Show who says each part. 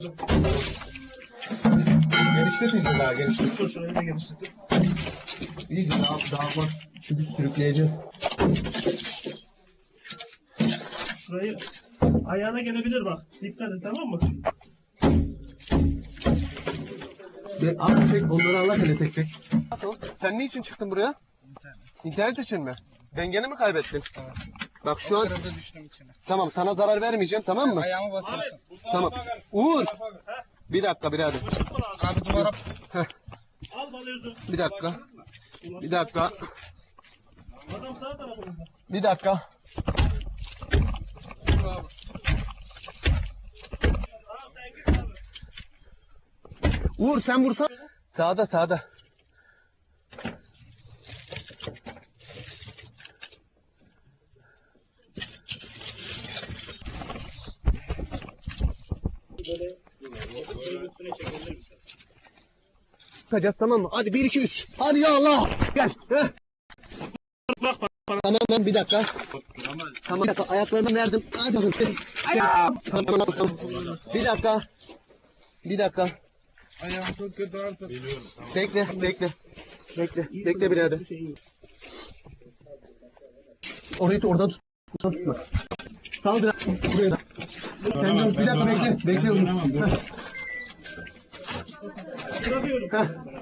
Speaker 1: Genişletmeyeceğiz daha, genişlet.
Speaker 2: Dur şurayı da genişletin.
Speaker 1: İyice daha bak. Çünkü sürükleyeceğiz.
Speaker 2: Şurayı ayağına gelebilir bak. Dikkat et, tamam mı?
Speaker 1: Abi çek, onları Allah hele tek tek. Sen ne için çıktın buraya? İnternet için mi? Dengeni mi kaybettin?
Speaker 3: Evet.
Speaker 1: Bak şu an...
Speaker 3: Kırıldı, düştüm içine.
Speaker 1: Tamam, sana zarar vermeyeceğim, tamam mı?
Speaker 3: Ayağımı basıyorsun.
Speaker 1: Tamam. Uğur. Bir dakika birader.
Speaker 3: Abi duvara...
Speaker 2: Al balyozu.
Speaker 1: Bir dakika. Bir dakika.
Speaker 2: Adam sağ tarafında.
Speaker 1: Bir dakika.
Speaker 2: Tamam sen git abi.
Speaker 1: Uğur sen vursan. Sağda sağda.
Speaker 2: Böyle üstüne çekebilir misin?
Speaker 1: Tutacağız, tamam mı? Hadi 1 2 3. Hadi ya Allah. Gel. Heh. Tamam bir dakika. Tamam bir dakika, ayaklarını verdim. Hadi bakalım. Tamam. Bir dakika. Bir dakika.
Speaker 3: Ayağım çok kötü artık.
Speaker 1: Bekle birader. Orayı da oradan tut. Tutma. Tamam biraz. Buraya da. Sen dur, bir dakika bekle. Bekle.
Speaker 2: Bırakıyorum.
Speaker 1: Heh.